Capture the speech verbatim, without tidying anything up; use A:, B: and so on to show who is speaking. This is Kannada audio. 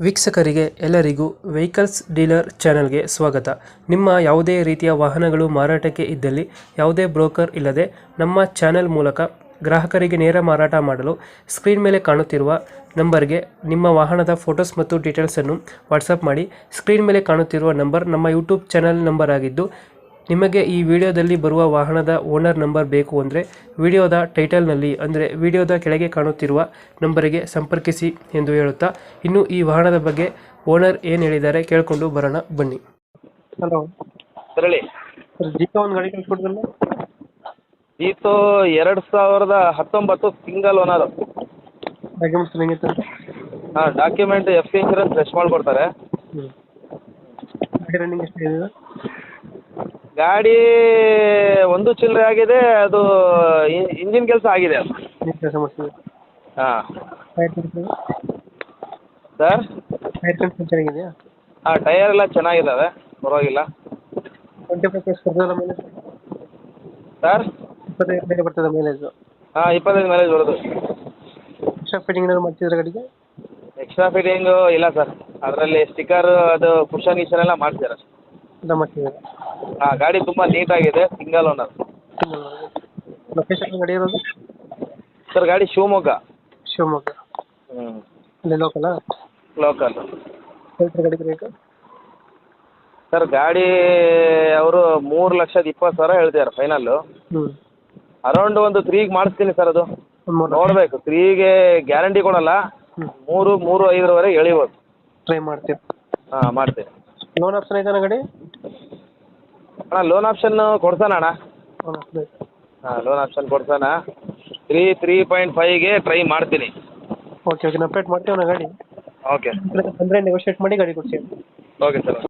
A: ವೀಕ್ಷಕರಿಗೆ ಎಲ್ಲರಿಗೂ ವೆಹಿಕಲ್ಸ್ ಡೀಲರ್ ಚಾನೆಲ್ಗೆ ಸ್ವಾಗತ. ನಿಮ್ಮ ಯಾವುದೇ ರೀತಿಯ ವಾಹನಗಳು ಮಾರಾಟಕ್ಕೆ ಇದ್ದಲ್ಲಿ ಯಾವುದೇ ಬ್ರೋಕರ್ ಇಲ್ಲದೆ ನಮ್ಮ ಚಾನೆಲ್ ಮೂಲಕ ಗ್ರಾಹಕರಿಗೆ ನೇರ ಮಾರಾಟ ಮಾಡಲು ಸ್ಕ್ರೀನ್ ಮೇಲೆ ಕಾಣುತ್ತಿರುವ ನಂಬರ್ಗೆ ನಿಮ್ಮ ವಾಹನದ ಫೋಟೋಸ್ ಮತ್ತು ಡೀಟೇಲ್ಸನ್ನು ವಾಟ್ಸಪ್ ಮಾಡಿ. ಸ್ಕ್ರೀನ್ ಮೇಲೆ ಕಾಣುತ್ತಿರುವ ನಂಬರ್ ನಮ್ಮ ಯೂಟ್ಯೂಬ್ ಚಾನೆಲ್ ನಂಬರ್ ಆಗಿದ್ದು, ನಿಮಗೆ ಈ ವಿಡಿಯೋದಲ್ಲಿ ಬರುವ ವಾಹನದ ಓನರ್ ನಂಬರ್ ಬೇಕು ಅಂದರೆ ವಿಡಿಯೋದ ಟೈಟಲ್ನಲ್ಲಿ ಅಂದರೆ ವಿಡಿಯೋದ ಕೆಳಗೆ ಕಾಣುತ್ತಿರುವ ನಂಬರಿಗೆ ಸಂಪರ್ಕಿಸಿ ಎಂದು ಹೇಳುತ್ತಾ, ಇನ್ನು ಈ ವಾಹನದ ಬಗ್ಗೆ ಓನರ್ ಏನು ಹೇಳಿದ್ದಾರೆ ಕೇಳಿಕೊಂಡು ಬರೋಣ ಬನ್ನಿ. ಹಲೋ
B: ಸರ್ ಹೇಳಿ.
A: ಸರ್, ಜೀಪ ಒಂದು ಗಾಡಿ ಕಳಿಸ್ಕೊಡ್ತಲ್ಲ.
B: ಜೀತು ಎರಡು ಸಾವಿರದ ಹತ್ತೊಂಬತ್ತು ಸಿಂಗಲ್ ಓನರು.
A: ಡಾಕ್ಯುಮೆಂಟ್ಸ್ ಹೆಂಗಿತ್ತು?
B: ಹಾಂ, document F C insurance fresh ಮಾಡಿಕೊಡ್ತಾರೆ.
A: ಹ್ಞೂ ಗಾಡಿ ರನ್ನಿಂಗ್ ಎಷ್ಟು ಇದೆ?
B: ಗಾಡಿ ಒಂದು ಚಿಲ್ಲರೆ ಆಗಿದೆ. ಅದು ಇಂಜಿನ್ ಕೆಲಸ ಆಗಿದೆ ಅದು.
A: ಕೆಲಸ ಮಾಡ್ತೀವಿ.
B: ಹಾಂ
A: tyre condition
B: sir.
A: Tyre condition ಚೆನ್ನಾಗಿದೆಯಾ?
B: ಹಾಂ, ಟಯರ್ ಎಲ್ಲ ಚೆನ್ನಾಗಿದ್ದಾವೆ, ಪರವಾಗಿಲ್ಲ.
A: ಟ್ವೆಂಟಿ ಫೈವ್ ಪ್ಲಸ್ ಬರ್ತದಲ್ಲ ಮೈಲೇಜ್?
B: ಸರ್
A: ಇಪ್ಪತ್ತೈದು ಮೇಲೆ ಬರ್ತದೆ ಮೈಲೇಜು?
B: ಹಾಂ, ಇಪ್ಪತ್ತೈದು ಮೈಲೇಜ್ ಬರೋದು.
A: ಎಕ್ಸ್ಟ್ರಾ ಫಿಟ್ಟಿಂಗ್ ಏನಾದ್ರು ಮಾಡ್ತಿದ್ರೆ ಗಾಡಿಗೆ?
B: ಎಕ್ಸ್ಟ್ರಾ ಫಿಟ್ಟಿಂಗು ಇಲ್ಲ ಸರ್. ಅದರಲ್ಲಿ ಸ್ಟಿಕ್ಕರ್ ಅದು ಕುಷನ್ ಗಿಷನ್ ಎಲ್ಲ ಮಾಡ್ತಿದ್ದಾರೆ.
A: ಎಲ್ಲ ಮಾಡ್ತಿದ್ದಾರೆ.
B: ಹಾಂ, ಗಾಡಿ ತುಂಬ ನೀಟಾಗಿದೆ, ಸಿಂಗಲ್ ಓನರ್.
A: ಲೊಕೇಶನ್ ಗಾಡಿ ಇರೋದು?
B: ಸರ್, ಗಾಡಿ ಶಿವಮೊಗ್ಗ.
A: ಶಿವಮೊಗ್ಗ.
B: ಹ್ಞೂ,
A: ಅಲ್ಲಿ ಲೋಕಲ್ಲ?
B: ಲೋಕಲ್.
A: ಹೇಳ್ತಾರೆ ಗಾಡಿ ರೇಟು?
B: ಸರ್, ಗಾಡಿ ಅವರು ಮೂರು ಲಕ್ಷದ ಇಪ್ಪತ್ತು ಸಾವಿರ ಹೇಳ್ತಿದ್ದಾರೆ ಫೈನಲ್ಲು.
A: ಹ್ಞೂ
B: ಅರೌಂಡ್ ಒಂದು ತ್ರೀಗೆ ಮಾಡಿಸ್ತೀನಿ ಸರ್. ಅದು
A: ಒಂದು ಮೂರು
B: ನೋಡಬೇಕು. ತ್ರೀಗೆ ಗ್ಯಾರಂಟಿ ಕೊಡಲ್ಲ,
A: ಹ್ಞೂ
B: ಮೂರು ಮೂರು ಐದರವರೆಗೆ ಎಳಿಬೋದು.
A: ಟ್ರೈ ಮಾಡ್ತೀವಿ.
B: ಹಾಂ, ಮಾಡ್ತೀನಿ.
A: ಲೋನ್ ಆಪ್ಷನ್ ಐತಾನ ಗಾಡಿ?
B: ಅಣ್ಣ, ಲೋನ್ ಆಪ್ಷನ್ ಕೊಡ್ಸೋಣ ಅಣ್ಣ.
A: ಲೋನ್ ಆಪ್ಷನ್ ಐತೆ.
B: ಹಾಂ, ಲೋನ್ ಆಪ್ಷನ್ ಕೊಡ್ಸೋಣ. ತ್ರೀ ತ್ರೀ ಪಾಯಿಂಟ್ ಫೈವ್ಗೆ ಟ್ರೈ ಮಾಡ್ತೀನಿ.
A: ಓಕೆ ಓಕೆ, ನಾವು ಅಪ್ಡೇಟ್ ಮಾಡ್ತೀವಿ ನಾ ಗಾಡಿ.
B: ಓಕೆ
A: ಬಂದರೆ ನೆಗೋಷಿಯೇಟ್ ಮಾಡಿ ಗಾಡಿ ಕೊಡ್ತೀವಿ.
B: Okay sir.